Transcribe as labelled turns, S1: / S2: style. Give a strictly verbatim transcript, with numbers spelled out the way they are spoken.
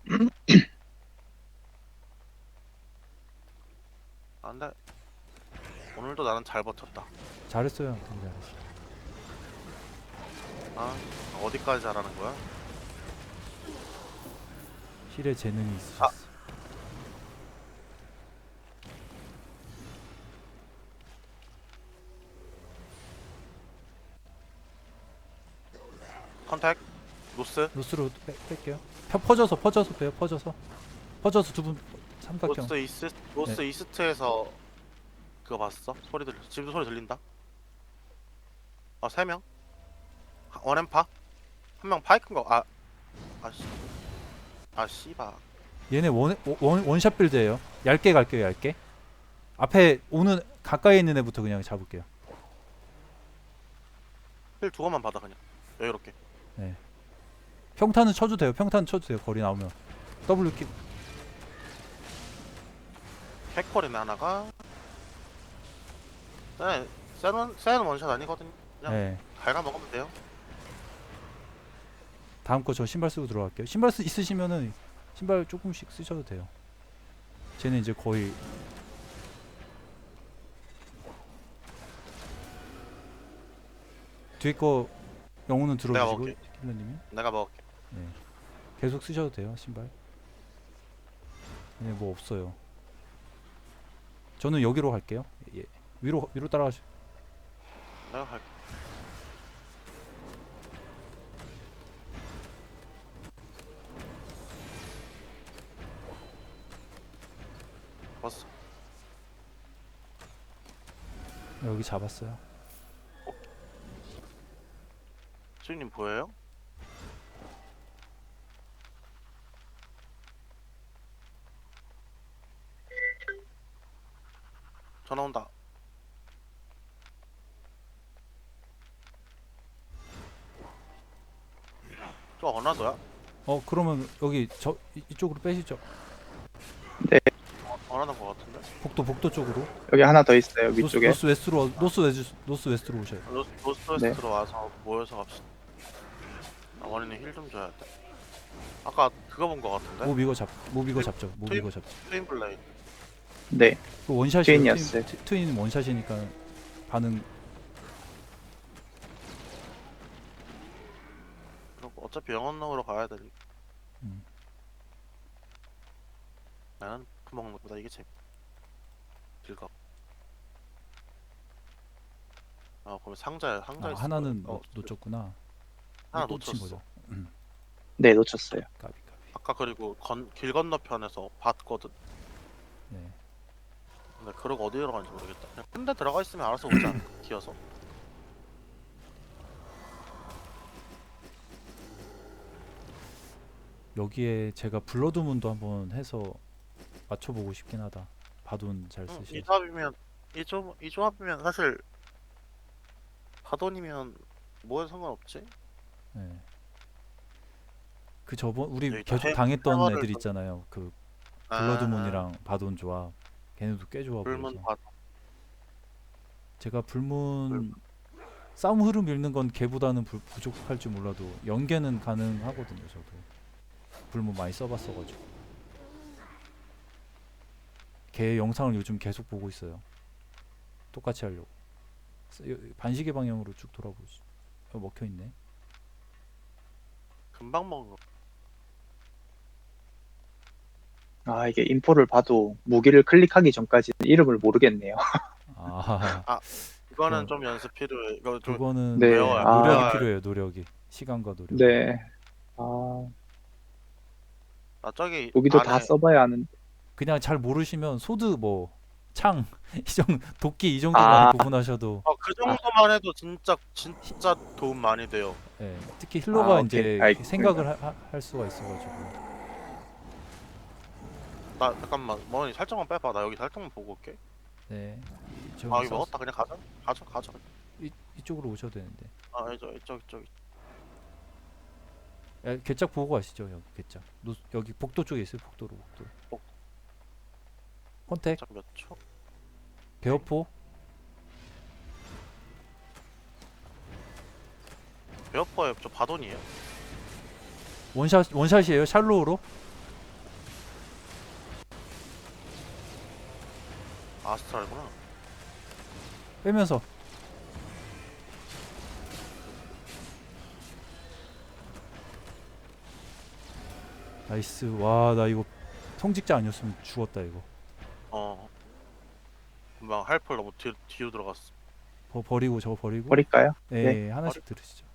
S1: 아, 근데 오늘도 나는 잘 버텼다.
S2: 잘했어요. 되게 잘했어.
S1: 아, 어디까지 잘하는 거야?
S2: 힐에 재능이
S1: 아,
S2: 있으셨어.
S1: 컨택, 노스,
S2: 노스로 빼, 뺄게요. 펴, 퍼져서 퍼져서 빼요. 퍼져서 퍼져서 두 분 삼각형.
S1: 노스 이스,
S2: 네.
S1: 노스 이스트에서 그거 봤어? 소리 들, 지금도 소리 들린다? 아, 세 명? 원엠파? 한 명 파이크인 거, 아, 아씨, 아, 씨바.
S2: 얘네 원, 원 원샷 빌드예요. 얇게 갈게요. 얇게. 앞에 오는 가까이 있는 애부터 그냥 잡을게요.
S1: 힐 두 번만 받아, 그냥. 여유롭게.
S2: 네. 평타는 쳐도 돼요. 평타는 쳐도 돼요. 거리 나오면. W 키.
S1: 캐콜이네, 하나가. 네, 센, 센 원샷 아니거든요. 그냥
S2: 네.
S1: 갈가 먹으면 돼요.
S2: 다음 거 저 신발 쓰고 들어갈게요. 신발 쓰, 있으시면은 신발 조금씩 쓰셔도 돼요. 쟤는 이제 거의 뒤에 거 영혼은
S1: 내가
S2: 들어주시고
S1: 먹을게.
S2: 킬러님이.
S1: 내가 먹을게.
S2: 네. 계속 쓰셔도 돼요. 신발. 네, 뭐 없어요. 저는 여기로 갈게요. 예. 위로 위로 따라가시.
S1: 내가 갈게. 봤어.
S2: 여기 잡았어요.
S1: 수인님 보여요? 전화 온다. 저 어나더야?
S2: 어 그러면 여기 저 이, 이쪽으로 빼시죠.
S3: 네,
S1: 어나던 거 같은데?
S2: 복도 복도 쪽으로.
S3: 여기 하나 더 있어요.
S2: 노스
S3: 위쪽에.
S2: 노스 웨스트로 노스 웨스 노스 웨스트로 오셔요.
S1: 노스,
S3: 네.
S1: 노스웨스트로 와서 모여서 갑시다. 아, 원인이 힐 좀 줘야 돼. 아까 그거 본 거 같은데?
S2: 몹 이거 잡, 몹 이거 잡죠. 몹
S1: 트윈-
S2: 이거 잡죠.
S1: 트윈 블레이드.
S3: 네.
S2: 그 원샷이요.
S3: 트윈이었어요.
S2: 트윈, 트윈 원샷이니까 반응.
S1: 그리고 어차피 영원으로 가야 되니.
S2: 음.
S1: 나는 그 먹는 것보다 이게 재밌. 즐거. 아, 그럼 상자에 상자
S2: 아,
S1: 있을
S2: 하나는
S1: 거예요.
S2: 놓, 놓쳤구나.
S1: 하나
S2: 또 놓친
S1: 놓쳤어.
S2: 거죠. 음.
S3: 네, 놓쳤어요.
S2: 까비 까비.
S1: 아까 그리고 건, 길 건너편에서 봤거든.
S2: 네.
S1: 근데 그러고 어디 들어가는지 모르겠다. 그냥 큰 데 들어가 있으면 알아서 오지 않을까? 기어서.
S2: 여기에 제가 블러드문도 한번 해서 맞춰보고 싶긴 하다. 바돈 잘
S1: 응, 이
S2: 쓰시고.
S1: 조합이면 이 조, 이 조합이면 사실 바돈이면 뭐에 상관없지?
S2: 네. 그 저번 우리
S1: 여기
S2: 계속
S1: 해-
S2: 당했던
S1: 해머를
S2: 애들
S1: 좀-
S2: 있잖아요. 그
S1: 아,
S2: 블러드문이랑 바돈 조합. 걔네도 꽤 좋아
S1: 불문
S2: 보여서.
S1: 바
S2: 제가 불문 싸움 흐름 읽는 건 걔보다는 부, 부족할 줄 몰라도 연계는 가능하거든요. 저도 불문 많이 써봤어가지고. 걔 영상을 요즘 계속 보고 있어요. 똑같이 하려고. 쓰- 여- 반시계 방향으로 쭉 돌아보시. 어, 먹혀 있네.
S1: 금방 먹는 거.
S3: 아, 이게 인포를 봐도 무기를 클릭하기 전까지는 이름을 모르겠네요.
S2: 아,
S1: 이거는
S2: 그건-
S1: 좀 연습 필요해. 이거 좀
S2: 그거는
S3: 네,
S1: 배워야
S3: 아.
S2: 노력이
S1: 배워야
S2: 필요해요. 노력이. 시간과 노력.
S3: 네. 아,
S1: 나 저기
S3: 무기도
S1: 안에
S3: 다 써봐야 하는.
S2: 그냥 잘 모르시면 소드 뭐 창 이정 도끼 이 정도
S3: 아.
S2: 많이 구분하셔도.
S1: 어, 그 정도만 해도 진짜 진짜 도움 많이 돼요.
S2: 예, 특히 힐러가
S3: 아,
S2: 이제
S3: 오케이. 알겠습니다.
S2: 생각을 하, 하- 할 수가 있어가지고.
S1: 나 잠깐만 머니 살짝만 빼봐. 나 여기 살짝만 보고 올게.
S2: 네. 이- 저기
S1: 아, 여기
S2: 사우스-
S1: 먹었다. 그냥 가자. 가자, 가자.
S2: 이, 이쪽으로 오셔도 되는데.
S1: 아, 이쪽, 이쪽, 이쪽.
S2: 야, 괴짝 보고 가시죠. 여기 괴짝. 노, 여기 복도 쪽에 있어요. 복도로 복도.
S1: 복-
S2: 컨택
S1: 몇 초?
S2: 배어포.
S1: 베어퍼에 저 바돈이에요.
S2: 원샷 원샷이에요. 샬로우로.
S1: 아스트랄구나.
S2: 빼면서 나이스. 와 나 이거 성직자 아니었으면 죽었다 이거.
S1: 어. 금방 할펄 너무 뒤, 뒤로 들어갔어.
S2: 버, 버리고 저거 버리고
S3: 버릴까요?
S2: 예,
S3: 네.
S2: 하나씩 들으시죠.